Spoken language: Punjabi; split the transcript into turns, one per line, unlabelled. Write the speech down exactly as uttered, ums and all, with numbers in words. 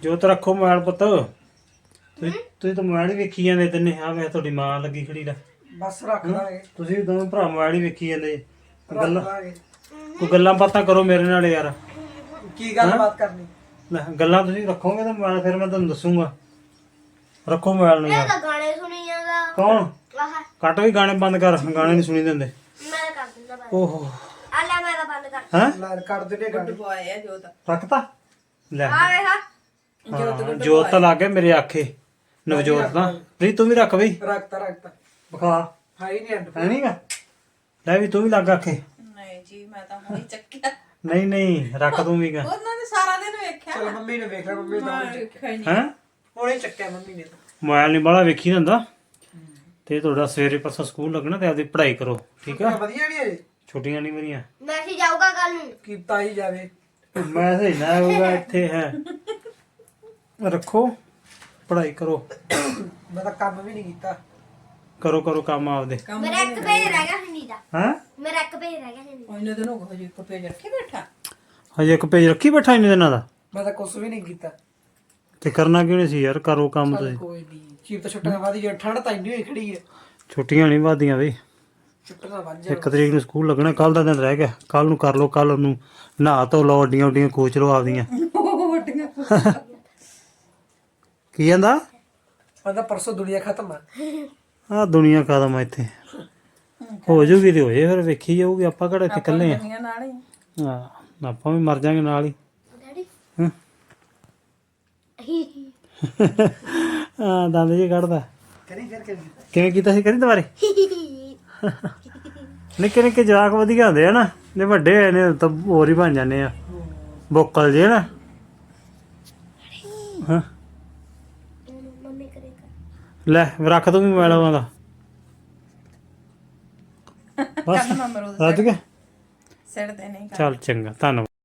ਜੋਤ ਰੱਖੋ ਮੋਬਾਈਲ ਪੁੱਤ ਤੁਸੀਂ ਤੁਸੀਂ ਤਾਂ ਮੋਬਾਈਲ ਹੀ ਵੇਖੀ ਜਾਂਦੇ ਤਿੰਨੇ ਆ ਵੇ ਤੁਹਾਡੀ ਮਾਂ ਲੱਗੀ ਖੜੀ ਲੈ
ਬਸ ਰੱਖ ਲਾਂਗੇ
ਤੁਸੀਂ ਦੋਵੇਂ ਭਰਾ ਮੋਬਾਈਲ ਹੀ ਵੇਖੀ ਜਾਂਦੇ
ਰੱਖ
ਗੱਲਾਂ
ਲਾਂਗੇ
ਕੋਈ ਗੱਲਾਂ ਬਾਤਾਂ ਕਰੋ ਮੇਰੇ ਨਾਲ ਯਾਰ
ਕੀ ਗੱਲਬਾਤ ਕਰਨੀ
ਲੈ ਗੱਲਾਂ ਤੁਸੀਂ ਰੱਖੋਗੇ ਤਾਂ ਮੋਬਾਈਲ ਫਿਰ ਮੈਂ ਤੁਹਾਨੂੰ ਦੱਸੂਗਾ ਰੱਖੋ ਮੋਬਾਈਲ ਨੂੰ
ਇਹ
ਯਾਰ
ਤਾਂ ਗਾਣੇ ਸੁਣੀ ਜਾਂਦਾ
ਕੌਣ
ਆਹ
ਕੱਟ ਵੀ ਗਾਣੇ ਬੰਦ ਕਰ ਗਾਣੇ ਨਹੀਂ ਸੁਣੀ ਦਿੰਦੇ
ਮੈਂ ਕਰ ਦਿੰਦਾ ਬੰਦ
ਓਹੋ
ਆ ਲੈ ਮੈਂ ਤਾਂ ਬੰਦ ਕਰ
ਹੈਂ
ਲੈ ਕਰ ਦੇ ਗੱਡੀ
ਬੁਆਏ ਆ ਜੋਤ
ਰੱਖਤਾ ਲੈ
ਆ ਵੇ ਹਾਂ
ਹਾਂ, ਜੋਤ ਤਾਂ ਲੱਗ ਗਿਆ ਮੇਰੇ ਆਖੇ ਨਵਜੋਤ ਤਾਂ ਪ੍ਰੀਤ ਤੂੰ ਵੀ ਰੱਖ ਬਈ
ਰੱਖਤਾ ਰੱਖਤਾ
ਵਿਖਾ
ਹਾਈ ਨਹੀਂ ਅੰਡ
ਹੈ ਨਹੀਂਗਾ ਲੈ ਵੀ ਤੂੰ ਵੀ ਲੱਗ ਆਖੇ
ਨਹੀਂ ਜੀ ਮੈਂ ਤਾਂ ਹੁਣੇ ਚੱਕਿਆ
ਨਹੀਂ ਨਹੀਂ ਰੱਖ ਤੂੰ ਵੀ ਗਾ
ਉਹਨਾਂ ਨੇ ਸਾਰਾ ਦਿਨ ਵੇਖਿਆ
ਚਲ ਮੰਮੀ ਨੇ ਵੇਖ ਲਿਆ ਮੰਮੀ ਦਾ
ਮੈਂ ਵੇਖਿਆ ਹੀ ਨਹੀਂ
ਹੈ
ਹੁਣੇ ਚੱਕਿਆ ਮੰਮੀ ਨੇ ਤਾਂ
ਮੋਬਾਈਲ ਨਹੀਂ ਬਾਹਲਾ ਵੇਖੀ ਨਾ ਹੁੰਦਾ ਤੇ ਤੁਹਾਡਾ ਸਵੇਰੇ ਪਰਸੋਂ ਸਕੂਲ ਲੱਗਣਾ ਤੇ ਆਪਦੀ ਪੜ੍ਹਾਈ ਕਰੋ ਠੀਕ ਆ
ਵਧੀਆ ਨਹੀਂ ਅਜੇ
ਛੁੱਟੀਆਂ ਨਹੀਂ ਮੇਰੀਆਂ
ਮੈਸੇਜ ਆਊਗਾ ਕੱਲ ਨੂੰ
ਕੀਤਾ ਹੀ ਜਾਵੇ
ਮੈਂ ਸਹੀ ਨਾ ਹੋਊਗਾ ਇੱਥੇ ਹੈ ਰੱਖੋ ਪੜ੍ਹਾਈ ਕਰੋ
ਮੈਂ ਤਾਂ ਕੰਮ ਵੀ ਨਹੀਂ ਕੀਤਾ
ਕਰੋ ਕਰੋ ਕੰਮ ਆਪਦੇ
ਮੇਰਾ ਇੱਕ ਪੇਜ ਰਹਿ ਗਿਆ ਹਿੰਦੀ ਦਾ
ਹੈ
ਮੇਰਾ ਇੱਕ ਪੇਜ ਰਹਿ ਗਿਆ ਹਿੰਦੀ
ਉਹਨੇ ਦਿਨ ਹੋ ਗਏ ਜੀ ਇੱਕ ਪੇਜ ਰੱਖੇ ਬੈਠਾ
ਹਜੇ ਇੱਕ ਪੇਜ ਰੱਖੀ ਬੈਠਾ ਇਹਨੇ ਦਿਨਾਂ ਦਾ
ਮੈਂ ਤਾਂ ਕੁਝ ਵੀ ਨਹੀਂ ਕੀਤਾ
ਤੇ ਕਰਨਾ ਕਿਉਂ ਨਹੀਂ ਸੀ ਯਾਰ ਕਰੋ ਕੰਮ ਤੁਸੀਂ
ਕੋਈ ਨਹੀਂ ਚੀਪ ਤਾਂ ਛੁੱਟੀਆਂ ਵਾਦੀ ਜੇ ਠੰਡ ਤਾਂ ਇੰਨੀ ਹੋਈ ਖੜੀ ਹੈ
ਛੁੱਟੀਆਂ ਨਹੀਂ ਵਾਦੀਆਂ ਬਈ
ਛੁੱਟੀਆਂ ਵੱਜ ਜਾ
ਇੱਕ ਤਰੀਕ ਨੂੰ ਸਕੂਲ ਲੱਗਣਾ ਕੱਲ ਦਾ ਦਿਨ ਰਹਿ ਗਿਆ ਕੱਲ ਨੂੰ ਕਰ ਲਓ ਕੱਲ ਨੂੰ ਨਹਾ ਧੋ ਲਓ ਅੱਡੀਆਂ ਉੱਡੀਆਂ ਖੋਚ ਲਓ ਆਪਦੀਆਂ
ਵੱਡੀਆਂ
ਕੀ ਕਹਿੰਦਾ
ਮੈਂ ਤਾਂ ਪਰਸੋਂ ਦੁਨੀਆ ਖਤਮ ਆ
ਆ ਦੁਨੀਆ ਕਦਮ ਆ ਇੱਥੇ ਹੋ ਜੂਗੀ ਤੇ ਹੋਏ ਫਿਰ ਵੇਖੀ ਜਾਊਗੀ ਆਪਾਂ ਕਿਹੜਾ ਇੱਥੇ ਇਕੱਲੇ ਆ
ਦੁਨੀਆ ਨਾਲ ਹੀ
ਹਾਂ ਆਪਾਂ ਵੀ ਮਰ ਜਾਾਂਗੇ ਨਾਲ ਹੀ
ਡੈਡੀ
ਹਾਂ ਹਾਂ ਦੰਦ ਜੀ ਕੱਢਦਾ
ਕਰੀ ਫਿਰ ਕਰੀ
ਕਿਵੇਂ ਕੀਤਾ ਸੀ ਕਰੀ ਦੁਬਾਰੇ ਨਿੱਕੇ ਨਿੱਕੇ ਜਵਾਕ ਵਧੀਆ ਹੁੰਦੇ ਆ ਨਾ ਜੇ ਵੱਡੇ ਹੋਏ ਨੇ ਤਾਂ ਹੋਰ ਹੀ ਬਣ ਜਾਂਦੇ ਆ ਬੋਕਲ ਜੇ ਨਾ ਹਾਂ
ਮੰਮੀ ਕਰੇਗਾ
ਲੈ ਰੱਖ ਤੂੰ ਵੀ ਮੋਬਾਈਲ ਉਹਦਾ ਬਸ
ਕੱਲ ਮੈਂ ਅਮਰੂਦ
ਰੱਜ ਗਿਆ
ਸਿਰ ਤੇ ਨਹੀਂ
ਚੱਲ ਚੰਗਾ ਧੰਨਵਾਦ